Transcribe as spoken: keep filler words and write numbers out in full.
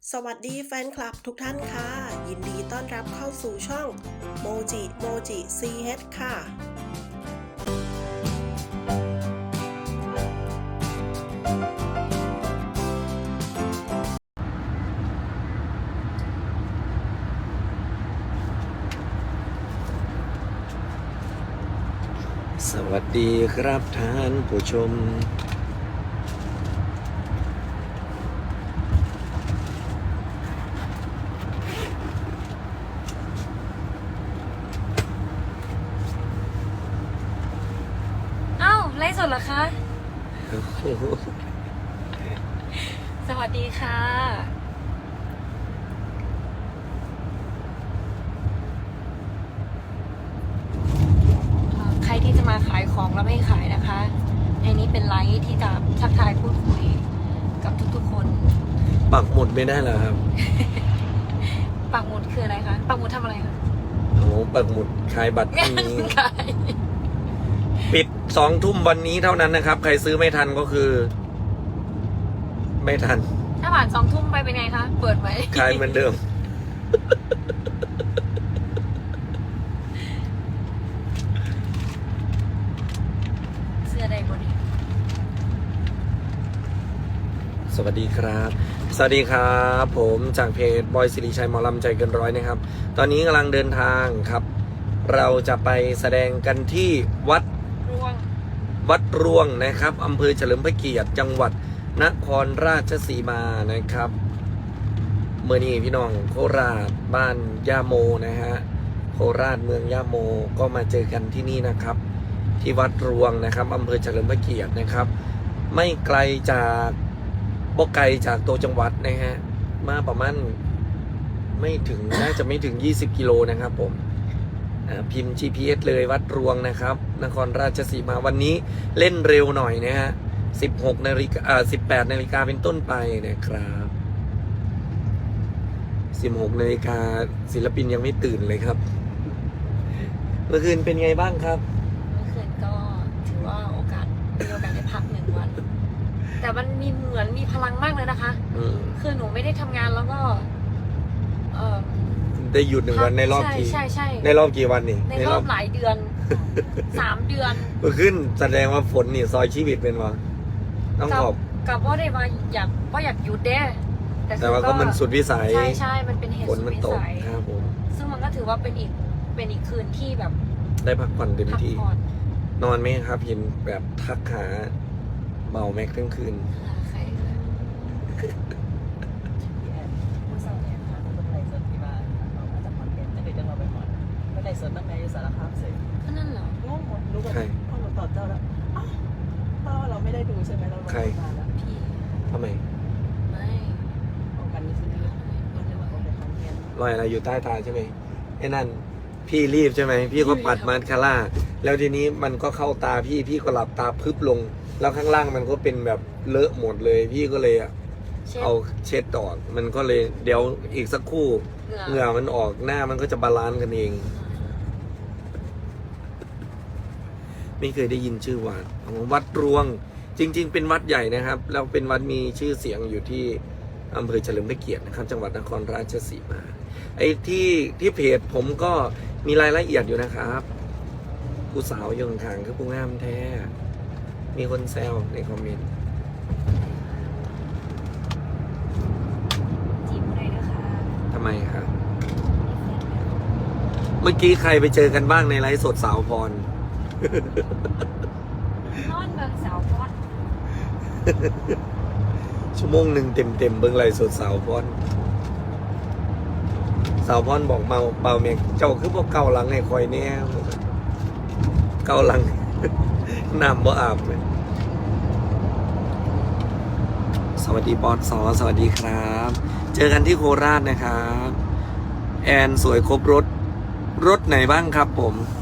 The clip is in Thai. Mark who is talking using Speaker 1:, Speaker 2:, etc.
Speaker 1: สวัสดีแฟนคลับทุกท่านค่ะ ยินดีต้อนรับเข้าสู่ช่องโมจิโมจิ ซี เอช ค่ะ
Speaker 2: สวัสดีครับท่านผู้ชม
Speaker 3: อ้าวไลฟ์สดเหรอคะ สวัสดีค่ะเอ่อใครที่จะมาขายของแล้วไม่ขายนะคะ ในนี้เป็นไลฟ์ที่จะทักทายพูดคุยกับทุกๆคน
Speaker 2: ปักหมุดไม่ได้เหรอครับ
Speaker 3: ปักหมุดคืออะไรคะ ปักหมุดทำอะไรคะ
Speaker 2: โอ้ปักหมุดขายบัตรพรุ่งนี้
Speaker 3: ขาย
Speaker 2: ปิดสองทุ่มวันนี้เท่านั้นนะครับ ใครซื้อไม่ทันก็คือ ไม่ทัน
Speaker 3: ถ้าผ่านสองทุ่มไปเป็นไงคะ เปิดไหม
Speaker 2: ขายเหมือนเดิม
Speaker 3: เสื้อใดบนนี้
Speaker 2: สวัสดีครับ สวัสดีครับ ผมจากเพจบอยสิริชัยหมอลำใจเกินร้อยนะครับ ตอนนี้กำลังเดินทางครับ เราจะไปแสดงกันที่วัด
Speaker 3: ร่วง
Speaker 2: วัดรวงนะครับอำเภอเฉลิมพระเกียรติจังหวัดนครราชสีมานะครับเมื่อนี้พี่น้องโคราชบ้านย่าโมนะฮะโคราชเมืองย่าโมก็มาเจอกันที่นี่นะครับ ที่วัดรวงนะครับอำเภอเฉลิมพระเกียรตินะครับ ไม่ไกลจากบ่ไกลจากตัวจังหวัดนะฮะมาประมาณไม่ถึง น่าจะไม่ถึงยี่สิบกิโลนะครับผมพิมพ์ จี พี เอส เลยวัดรวงนะครับนครราชสีมาวันนี้เล่นเร็วหน่อยนะฮะสิบหกนาฬิกาอ่าสิบแปดนาฬิกาเป็นต้นไปนะครับสิบหกนาฬิกาศิลปินยังไม่ตื่นเลยครับเมื่อคืนเป็นไงบ้างครับ
Speaker 3: เมื่อคืนก็ถือว่าโอกาสมีโอกาสได้พักหนึ่งวัน แต่มันมีเหมือนมีพลังมากเลยนะคะ
Speaker 2: อืม
Speaker 3: คือหนูไม่ได้ทำงานแล้วก็เออ
Speaker 2: ได้หยุดหนึ่งวันในรอบ
Speaker 3: ใช่
Speaker 2: กี่
Speaker 3: ใช่ใช่
Speaker 2: ในรอบกี่วันนี่
Speaker 3: ในรอบหลายเดือน สามเดือน
Speaker 2: เมื่อคืนแสดงว่าฝนนี่ซอยชีวิตเป็นวะต้อง
Speaker 3: กั
Speaker 2: ขอบ
Speaker 3: กับว่าได้มาอยากว่าอยากหยุดเด้
Speaker 2: แต่ว่าก็มันสุดวิสัย
Speaker 3: ใช่ใช่มันเป็นเหตุ
Speaker 2: ฝน
Speaker 3: สุด
Speaker 2: มัน
Speaker 3: วิ
Speaker 2: ตก
Speaker 3: สัย
Speaker 2: ครับผม
Speaker 3: ซึ่งมันก็ถือว่าเป็นอีกเป็นอีกคืนที่แบบ
Speaker 2: ได้พักผ่อนเต็ม
Speaker 3: พัก
Speaker 2: ที่
Speaker 3: ผ่อน
Speaker 2: นอนไหมครับเห็นแบบทักหาเบาแม็กทั้งคืน
Speaker 3: หาใครคะผู้สาวเนี่ยค่ะ
Speaker 4: คนไทยสดที่บ้านเรามาจากขอนแก่นจะเคยจะเราไปหมดคนไทยสดตั้งแต่อยู่สารคามเสร็จ
Speaker 3: ก็นั่นเหรอง
Speaker 4: งหมดรู้แบบพ่อหนูตอบเจ้าแล้วอ้าวพ่อเราไม่ได้ดูใช่ไหมเราลงมาแล้ว
Speaker 3: พี่
Speaker 2: ทำไม
Speaker 3: ไม่
Speaker 4: ของกันนี่คือมันจะมาของแต่ขอนแก่น
Speaker 2: รอยอะไรอยู่ใต้ตาใช่ไหมไอ้นั่นพี่รีบใช่ไหมพี่ก็ปัดมาสคาร่าแล้วทีนี้มันก็เข้าตาพี่พี่ก็หลับตาพึบลง แล้วข้างล่างมันก็เป็นแบบเลอะหมดเลย พี่ก็เลยอะ
Speaker 3: เช็ด
Speaker 2: เอาเช็ดออกมันก็เลยเดี๋ยวอีกสักครู่
Speaker 3: เหงื่อ
Speaker 2: เหงื่อมันออกหน้ามันก็จะบาลานซ์กันเอง ไม่เคยได้ยินชื่อวัดวัดรวง จริง ๆ เป็นวัดใหญ่นะครับแล้วเป็นวัดมีชื่อเสียงอยู่ที่อำเภอเฉลิมพระเกียรตินะครับ จังหวัดนครราชสีมาไอ้ที่ที่เพจผมก็มีรายละเอียดอยู่นะครับผู้สาวอยงขางคือผู้งามแท้ มีคนแซวในคอมเมนต์
Speaker 3: จีบอะไรนะคะ
Speaker 2: ทำไมครับ เมื่อกี้ใครไปเจอกันบ้างในไลฟ์สดสาวพร
Speaker 3: นอนเบิงสาวพอด
Speaker 2: ชั่วโมงหนึ่งเต็มเต็มๆเบิ้งไลฟ์สดสาวพรสาวพรบอกเมาเปล่าเมียเจ้าคือพวกเกาหลังให้คอยแน่เกาหลัง น้ำบ่อาบเลยสวัสดีปอนสอสวัสดีครับ เจอกันที่โคราชนะครับ แอนสวยครบรถ รถไหนบ้างครับผม